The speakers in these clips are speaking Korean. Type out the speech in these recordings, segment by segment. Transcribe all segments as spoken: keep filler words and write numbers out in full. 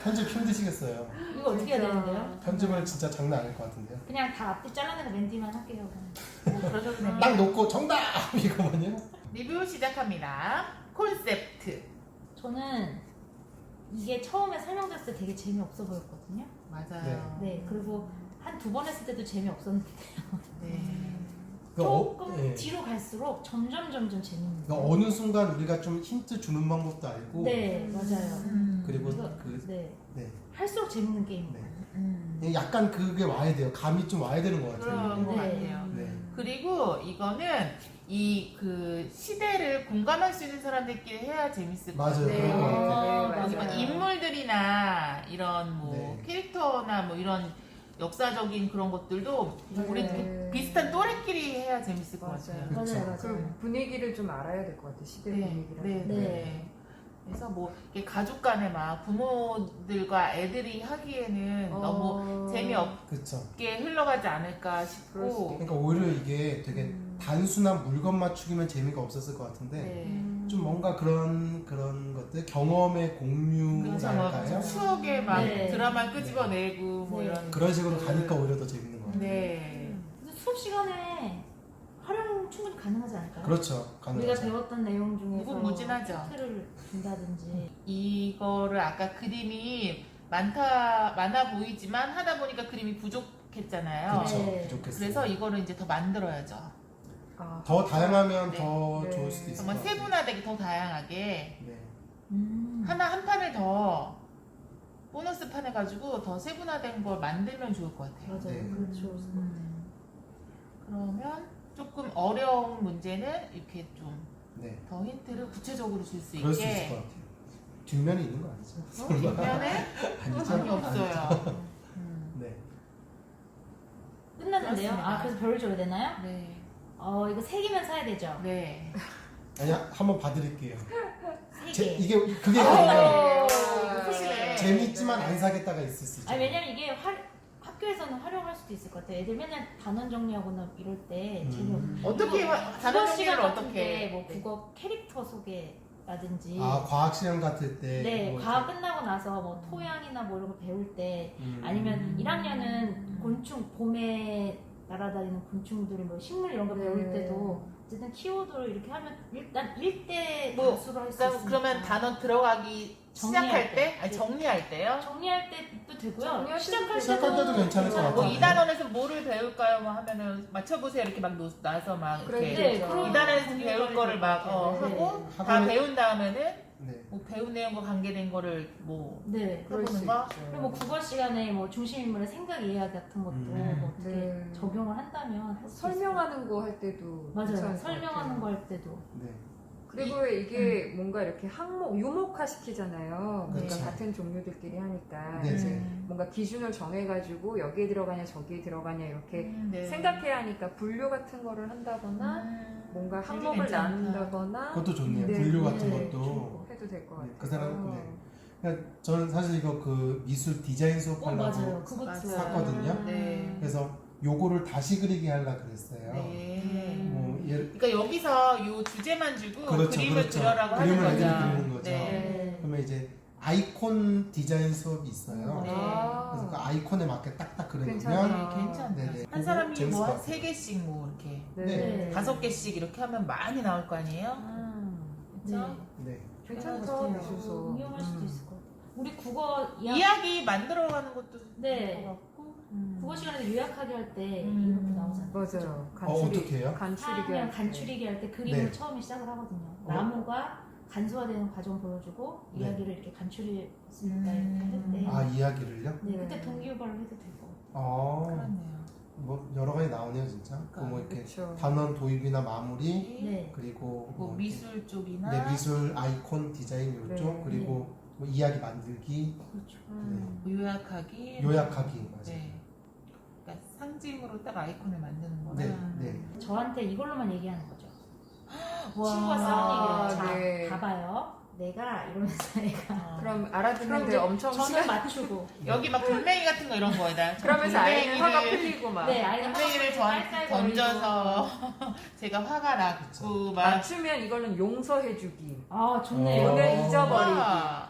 편집 힘드시겠어요. 이거 어떻게 해야 되는데요? 편집을 진짜 장난 아닐 것 같은데요. 그냥 다 앞뒤 잘라내고 맨 뒤만 할게요. 그럼. 뭐 그러셔도 됩니다. 딱 놓고 정답! 이거만요. 리뷰 시작합니다. 콘셉트. 저는 이게 처음에 설명됐을 때 되게 재미없어 보였거든요. 맞아요. 네, 그리고 한 두 번 했을 때도 재미없었는데 네. 조금 어, 예. 뒤로 갈수록 점점 점점 재밌는 그러니까 어느 순간 우리가 좀 힌트 주는 방법도 알고 네, 맞아요. 음. 그리고 이거, 그 네, 네. 할수록 재밌는 게임. 네. 음. 약간 그게 와야 돼요. 감이 좀 와야 되는 것 같아요. 그런 것 네. 같아요. 네. 그리고 이거는 이 그 시대를 공감할 수 있는 사람들끼리 해야 재밌을 것 맞아요. 같아요. 그런 것 같아요. 아, 그리고 뭐 맞아요. 인물들이나 이런 뭐 네. 캐릭터나 뭐 이런 역사적인 그런 것들도 우리 네. 비슷한 또래끼리 해야 재밌을 것 맞아요. 같아요. 그렇죠. 맞아요, 맞아요. 그 분위기를 좀 알아야 될 것 같아. 시대 네, 분위기를. 네, 네. 네. 그래서 뭐 이렇게 가족 간에 막 부모들과 애들이 하기에는 어. 너무 재미없게 그렇죠. 흘러가지 않을까 그럴 수도 싶고. 그러니까 오히려 이게 되게 음. 단순한 물건 맞추기면 재미가 없었을 것 같은데 네. 음. 좀 뭔가 그런 그런 것들 경험의 그렇죠. 뭐 공유랄까요? 추억에 막 네. 드라마를 끄집어내고 뭐 네. 이런 그런 식으로 가니까 오히려 더 재밌는 것 같아요. 네. 그래서 수업 시간에 활용 충분히 가능하지 않을까요? 그렇죠. 우리가 가능하죠. 배웠던 내용 중에서 무궁무진하죠. 힌트를 준다든지 이거를 아까 그림이 많다 많아 보이지만 하다 보니까 그림이 부족했잖아요. 그렇죠. 네. 부족했어요. 그래서 이거를 이제 더 만들어야죠. 아, 더 다양하면 네. 더 네. 좋을 수도 있을 것 정말 같아요. 세분화되게 더 다양하게 네. 음. 하나 한 판을 더 보너스 판 해가지고 더 세분화된 걸 만들면 좋을 것 같아요. 맞아요. 네. 그렇죠. 음. 그러면 조금 어려운 문제는 이렇게 좀 더 네. 힌트를 구체적으로 줄 수 그럴 수 있을 있게. 것 같아요. 뒷면이 있는 거 아니죠? 어? 뒷면에 아니죠? 전혀 없어요. 음. 네. 끝났는데요? 그렇습니다. 아, 그래서 별을 줘야 되나요? 네. 어, 이거 세 개면 사야 되죠? 네. 아니 한번 봐드릴게요. 세 제, 개. 이게 그게 아, 아니라 네. 재밌지만 안 사겠다가 있을 수 있죠. 아니, 왜냐면 이게 화, 학교에서는 활용할 수도 있을 것 같아요. 애들 맨날 단원 정리하거나 이럴 때 음. 재미없는. 어떻게 이거 화- 국어 단원 정리를 시간 같은 어떻게 때 해? 뭐 네. 국어 캐릭터 소개라든지. 아 과학 시험 같을 때. 네, 뭐 과학 이렇게. 끝나고 나서 뭐 토양이나 뭐 이런 거 배울 때 음. 아니면 일 학년은 곤충, 봄에 날아다니는 곤충들, 뭐 식물 이런 거 배울 네. 때도 어쨌든 키워드를 이렇게 하면 일단 일대 뭐, 단수로 할 수 그러니까 있으니까. 그러면 단어 들어가기 정리할 시작할 때. 때? 아니 네. 정리할 때요? 정리할 때도 되고요. 정리할 시작할 때도 때도, 시작할 때도 괜찮을 것 같아요. 뭐 네. 이 단원에서 뭐를 배울까요? 뭐 하면은 맞춰보세요 이렇게 막 놓- 놔서 막 그래, 이렇게 네, 그렇죠. 그런 이 단원에서 분위기 배울 관리 거를 막 어, 네. 하고 다 학원에- 배운 다음에는 네. 뭐 배운 내용과 관계된 거를 뭐 네. 그럴 수 해보는 거? 있죠. 그리고 뭐 국어 시간에 뭐 중심 인물의 생각 이야기 같은 것도 음. 뭐 어떻게 네. 적용을 한다면 할수 설명하는 거 할 때도 맞아요. 괜찮을 것 설명하는 같아요. 거 할 때도. 네. 그리고 이게 뭔가 이렇게 항목 유목화 시키잖아요. 그러니까 그렇죠. 같은 종류들끼리 하니까 네, 이제 네. 뭔가 기준을 정해가지고 여기에 들어가냐 저기에 들어가냐 이렇게 음, 네. 생각해야 하니까 분류 같은 거를 한다거나 음, 뭔가 되게 항목을 괜찮다. 나눈다거나 그것도 좋네요. 네, 분류 네, 같은 네. 것도. 해도 될 것 네, 같아요. 그 사람, 네. 그러니까 저는 사실 이거 그 미술 디자인 어, 수업하려고 맞아요. 그것도 맞아요. 샀거든요. 네. 그래서 요거를 다시 그리기 하려 그랬어요. 네. 뭐 예, 그러니까 여기서 요 주제만 주고 그렇죠, 그림을 그렇죠. 그려라고 하는 그림을 거죠. 애들이 그리는 거죠. 네. 네. 그러면 이제 아이콘 디자인 수업이 있어요. 네. 그래서 그 아이콘에 맞게 딱딱 그려놓으면 괜찮아요. 네, 괜찮다. 네네. 한 그거 사람이 재밌을 뭐 것 한 세 같아요. 개씩 뭐 이렇게 네. 네. 다섯 개씩 이렇게 하면 많이 나올 거 아니에요? 음, 그렇죠? 네. 괜찮다 같아요. 미술서. 이용할 수도 음. 있을 것 같아요. 우리 국어 이야, 이야기 만들어가는 것도 네. 좋을 것 같고 음. 국어 시간에 요약하기 할 때 음. 이렇게 나오잖아요. 맞아요. 어, 어떻게 해요? 간추리기 그냥 할 때. 간추리기 할 때 그림을 네. 처음에 시작을 하거든요. 어. 나무가 간소화되는 과정 보여주고 네. 이야기를 이렇게 간추릴 수 있다 음. 이렇게 할 때. 아 이야기를요? 네, 네. 그때 동기유발로 해도 되고. 아, 그렇네요. 뭐 여러 가지 나오네요 진짜. 그 뭐 이렇게 그렇죠. 단원 도입이나 마무리 네. 그리고 뭐 뭐 미술 쪽이나 네, 미술 아이콘 디자인 요쪽 네. 그리고 뭐 이야기 만들기 그렇죠. 음. 요약하기 요약하기 맞아요. 네. 그러니까 상징으로 딱 아이콘을 만드는 거나 네, 네. 저한테 이걸로만 얘기하는 거죠. 와. 친구가 싸운 얘기를 자, 네. 봐봐요. 내가 이러면서 애가 어. 그럼 그럼 알아듣는데 이제 엄청 저는 시간. 맞추고. 여기 막 돌멩이 같은 거 이런 거에다 그러면서 아이는 화가 돌멩이를- 풀리고 막. 네, 아이는 돌멩이를 깔깔거리고. 전, 던져서 제가 화가 났고 막 맞추면 이거는 용서해주기. 아 좋네요. 어. 오늘 잊어버리기. 와. 그러면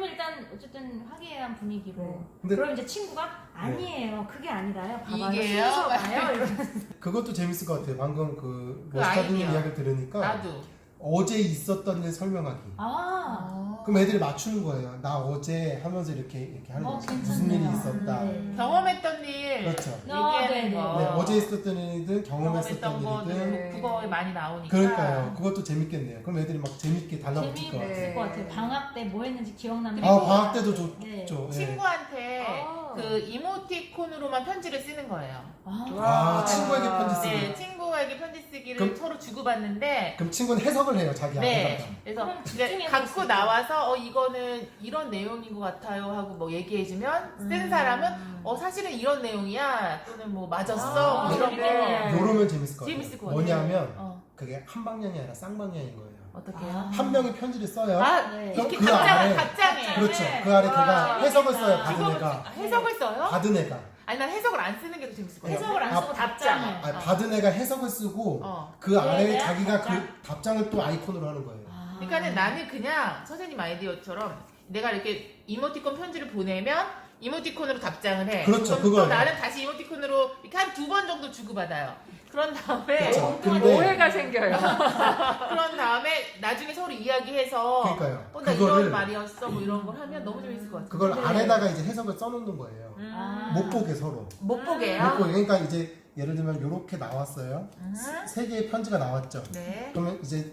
그러면 일단 어쨌든 화기애애한 분위기로. 네. 근데 그럼 이제 친구가 아니에요. 그게 아니라요. 봐봐요. 이게요? 순서가요. 이러면서. 그것도 재밌을 것 같아요. 방금 그 그 머스타드님 아이디어. 이야기를 들으니까 나도. 어제 있었던 일 설명하기. 아, 그럼 애들이 맞추는 거예요. 나 어제 하면서 이렇게 이렇게 하는 어, 거죠. 괜찮네요. 무슨 일이 있었다. 네. 경험했던 일 그렇죠. 어, 얘기하는 네네. 거. 네, 어제 있었던 일이든 경험했었던 경험했던 거는 일이든 네. 국어에 많이 나오니까. 그러니까요. 그것도 재밌겠네요. 그럼 애들이 막 재밌게 달라붙을 것 재미있을 같아요. 네. 것 같아요. 방학 때 뭐 했는지 기억나는 그리고- 아 방학 때도 좋, 네. 좋죠. 예. 친구한테 아. 그 이모티콘으로만 편지를 쓰는 거예요. 아, 아 친구에게 편지 쓰기. 네, 친구에게 편지 쓰기를 그럼- 서로 주고받는데 그럼 친구는 해석을 해요. 자기 네. 앞에다가. 그래서 그럼 이제 집중해서 갖고 쓰고. 나와서 어 이거는 이런 내용인 것 같아요 하고 뭐 얘기해주면 쓴 음. 사람은 어 사실은 이런 내용이야 또는 뭐 맞았어 아, 뭐 이런 거 재밌겠네요. 요러면 재밌을 것 같아요. 재밌을 것 같아요. 뭐냐면 어 그게 한 방향이 아니라 쌍방향인 거예요. 어떻게요? 아. 한 명이 편지를 써요. 아 네. 그럼 이렇게 그 답장 아래- 답장에 그렇죠. 그 아래 걔가 와, 해석을 써요. 재밌다. 받은 그거 애가. 해석을 써요? 받은 애가. 아니 난 해석을 안 쓰는 게 더 재밌을 것 같아. 해석을 안 아, 쓰고 답장을. 아, 어. 받은 애가 해석을 쓰고 어. 그 아래에 네, 자기가 답장. 그 답장을 또 아이콘으로 하는 거예요. 아. 그러니까는 나는 그냥 선생님 아이디어처럼 내가 이렇게 이모티콘 편지를 보내면 이모티콘으로 답장을 해. 그렇죠, 그럼 또 그거예요. 나는 다시 이모티콘으로 이렇게 한 두 번 정도 주고받아요. 그런 다음에 그렇죠. 근데 오해가 생겨요. 그런 다음에 나중에 서로 이야기해서 그러니까요. 어, 나 그거를 이런 말이었어 뭐 이런 걸 하면 너무 재밌을 것 같아요. 그걸 네. 아래다가 이제 해석을 써놓는 거예요. 음. 아. 못 보게 서로. 못 보게요. 못 보게. 그러니까 이제 예를 들면 이렇게 나왔어요. 음. 세 개의 편지가 나왔죠. 네. 그러면 이제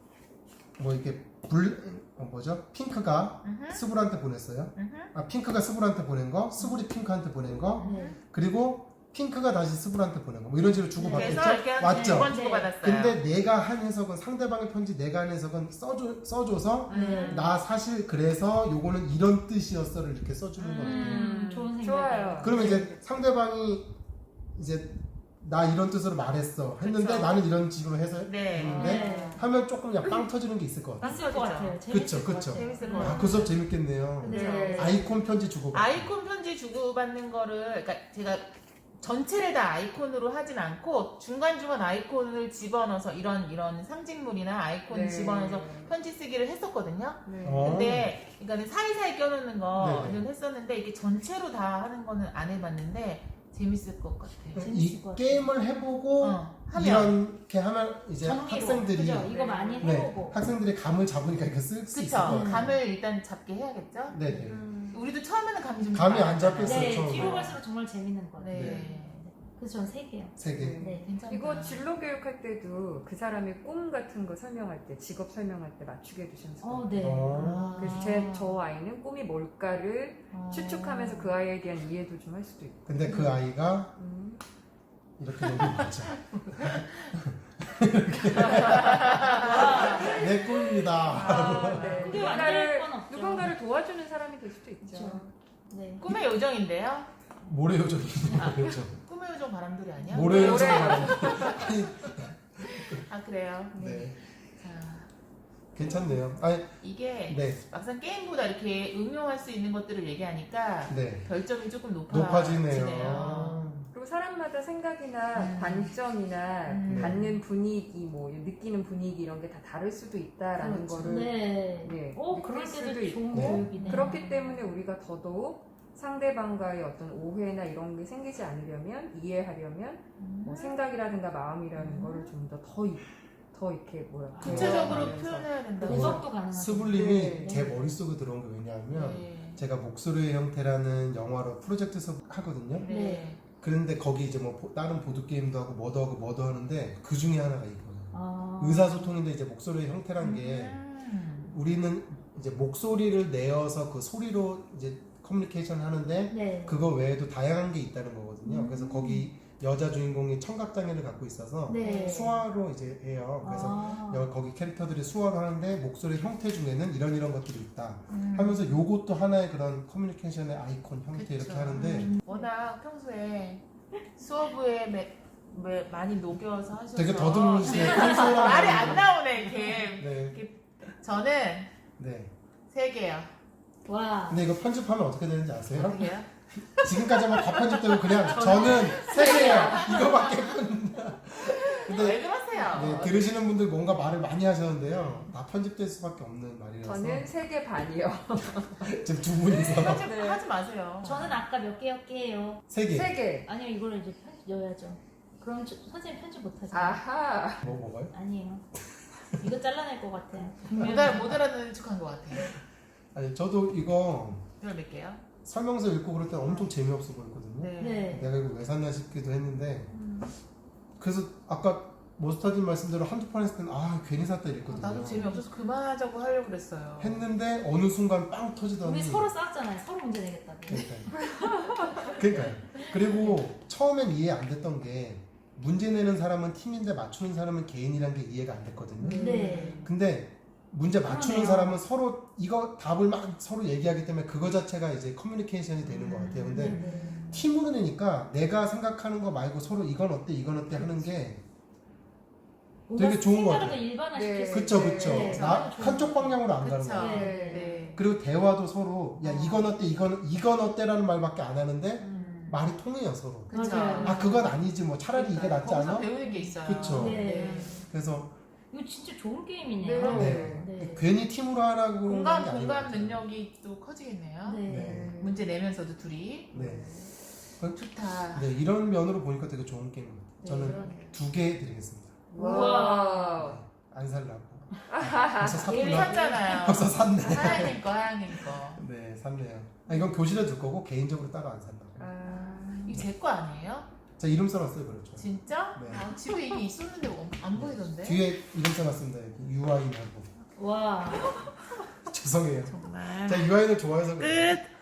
뭐 이렇게 불 어, 뭐죠? 핑크가 음흠. 스불한테 보냈어요. 음흠. 아 핑크가 스불한테 보낸 거, 스불이 핑크한테 보낸 거, 네. 그리고 핑크가 다시 스불한테 보낸 거. 뭐 이런 식으로 주고받겠죠. 그래서 이렇게 한 맞죠? 두 번 주고받았어요. 근데 내가 한 해석은 상대방의 편지 내가 한 해석은 써줘, 써줘서 네. 나 사실 그래서 요거는 이런 뜻이었어를 이렇게 써주는 거거든요. 음, 좋은 생각. 좋아요. 그러면 이제 상대방이 이제 나 이런 뜻으로 말했어 했는데 그쵸. 나는 이런 식으로 해서 네. 했는데 네. 하면 조금 그냥 빵 터지는 게 있을 것 같아요. 있을 것 같아요. 그쵸, 재밌을 것 그쵸. 같아요. 재밌을 것 음. 같아요. 아, 그 수업 재밌겠네요. 네. 아이콘 편지 주고. 아이콘 편지 주고받는 거를 그러니까 제가 전체를 다 아이콘으로 하진 않고 중간중간 아이콘을 집어넣어서 이런 이런 상징물이나 아이콘 네. 집어넣어서 편지 쓰기를 했었거든요. 네. 어. 근데 그러니까는 사이사이 껴놓는 거는 네네. 했었는데 이게 전체로 다 하는 거는 안 해봤는데 재밌을 것 같아요. 이 재밌을 것 같아요. 게임을 해보고 어, 하면 이렇게 하면 이제 정리로. 학생들이 그죠? 이거 많이 네, 해보고. 학생들이 감을 잡으니까 이렇게 쓸 수 있을 것 그쵸? 같아요. 감을 일단 잡게 해야겠죠? 네네. 음. 우리도 처음에는 감이 좀 감이 잘 안 잡잖아요. 잡혔어요. 네, 처음에. 뒤로 갈수록 정말 재밌는 것 같아요. 네. 네. 그래서 전 세 개요. 세 개. 네. 괜찮다. 이거 진로 교육할 때도 그 사람의 꿈 같은 거 설명할 때, 직업 설명할 때 맞추게 해주시면 좋을 것 어, 같아요. 네. 어. 아. 그래서 제, 저 아이는 꿈이 뭘까를 어. 추측하면서 그 아이에 대한 이해도 좀 할 수도 있고. 근데 그 아이가 음. 이렇게 되는 맞아. 와. 내 꿈입니다. 아, 네. 근데 안 될 건 누군가를, 없죠. 누군가를 도와주는 사람이 될 수도 있죠. 그쵸. 네. 꿈의 요정인데요? 모래 요정이 아. 그렇죠. 꿈의 요정 바람돌이 아니야? 모래 요정. 모래. 아 그래요? 네. 자 괜찮네요. 아니, 이게 네, 막상 게임보다 이렇게 응용할 수 있는 것들을 얘기하니까 네. 별점이 조금 높아 높아지네요. 그리고 사람마다 생각이나 음. 관점이나 음. 받는 분위기, 뭐 느끼는 분위기 이런 게 다 다를 수도 있다라는 그렇죠. 거를 네. 네, 오, 느낄 그럴 때도 수도 좋은 있고. 교육이네. 그렇기 때문에 우리가 더더욱 상대방과의 어떤 오해나 이런 게 생기지 않으려면 이해하려면 음. 뭐 생각이라든가 마음이라는 음. 거를 좀 더 더 더 이렇게 뭐야 구체적으로 대화하면서. 표현해야 된다고. 분석도 가능하죠. 스불님이 네. 제 머릿속에 들어온 게 왜냐하면 네. 제가 목소리의 형태라는 영화로 프로젝트 수업 하거든요. 네. 그런데 거기 이제 뭐 보- 다른 보드 게임도 하고 뭐도 하고 뭐도 하는데 그 중에 하나가 이거예요. 아. 의사소통인데 이제 목소리의 형태란 게 음. 우리는 이제 목소리를 내어서 그 소리로 이제 커뮤니케이션 하는데 네. 그거 외에도 다양한 게 있다는 거거든요. 음. 그래서 거기 여자 주인공이 청각 장애를 갖고 있어서 네. 수화로 이제 해요. 그래서 아. 여- 거기 캐릭터들이 수화를 하는데 목소리 형태 중에는 이런 이런 것들이 있다. 음. 하면서 요것도 하나의 그런 커뮤니케이션의 아이콘 형태 그쵸. 이렇게 하는데 음. 워낙 평소에 수업에 매, 매, 많이 녹여서 하셔서 되게 더듬으시네. 평소랑 말이 다르게. 안 나오네 이렇게. 네, 저는 네. 세 개요. 와. 근데 이거 편집하면 어떻게 되는지 아세요? 어떻게 해요? 지금까지만 다 편집되고 그냥 저는 세 개예요. 이거밖에 편. 근데 왜 그러세요? 하세요. 네, 들으시는 분들 뭔가 말을 많이 하셨는데요. 다 편집될 수밖에 없는 말이라서 저는 세 개 반이요. 지금 두 분이서 편집 네. 하지 마세요. 저는 아까 몇 개였게요. 세 개. 세 개. 아니요, 이거를 이제 편집 넣어야죠. 그럼 저- 선생님 편집 못하죠. 아하. 뭐 먹어요? 아니에요. 이거 잘라낼 것 같아요. 못, 알아, 못 알아듣는 척한 것 같아요. 아니 저도 이거 별 몇 개요? 설명서 읽고 그럴 때 엄청 재미없어 보였거든요. 네. 네. 내가 이거 왜 샀나 싶기도 했는데 음. 그래서 아까 모스타님 말씀대로 한두 판 했을 때는 아 괜히 샀다 어, 이랬거든요. 나도 재미없어서 그만하자고 하려고 그랬어요. 했는데 어느 순간 빵 터지더니 우리 서로 싸웠잖아요. 서로 문제 내겠다고. 그러니까요. 그러니까요. 그리고 처음엔 이해 안 됐던 게 문제 내는 사람은 팀인데 맞추는 사람은 개인이란 게 이해가 안 됐거든요. 네. 근데 문제 맞추는 그러네요. 사람은 서로 이거 답을 막 서로 얘기하기 때문에 그거 자체가 이제 커뮤니케이션이 되는 것 같아요. 근데 네. 팀으로 내니까 내가 생각하는 거 말고 서로 이건 어때 이건 어때 하는 게 되게 좋은 것 같아요. 일반화시킬 네. 수 그쵸 있어요. 그쵸. 네, 나 좋은 한쪽 것 방향으로 안 가는 그쵸. 거예요. 네. 네. 그리고 대화도 서로 야 이건 어때 이건 이건 어때라는 말밖에 안 하는데 음. 말이 통해요 서로. 그쵸. 맞아요. 아 그건 아니지 뭐 차라리 이게 낫지 거기서 않아? 배우는 게 있어요. 그쵸. 네. 그래서 이거 진짜 좋은 게임이네요. 네. 네. 괜히 팀으로 하라고 하는 게 공감 아닌 것 공감 같아요. 능력이 또 커지겠네요. 네. 네. 문제 내면서도 둘이 네. 좋다. 네 이런 면으로 보니까 되게 좋은 게임입니다. 저는 그러네요. 두 개 드리겠습니다. 와. 안 살라고. 벌써 이미 샀구나. 샀잖아요. 벌써 샀네. 하양님 거, 하양님 거. 네 샀네요. 아, 이건 교실에 둘 거고 개인적으로 따로 안 산다고. 아. 이거 제 거 아니에요? 자 이름 써놨어요 그렇죠. 진짜? 네. 아, 집에 이게 있었는데 안- 안 보이던데? 뒤에 이름 써놨습니다. 여기 유아인하고. 와. 죄송해요. 정말. 제가 유아인을 좋아해서 그래요. 끝!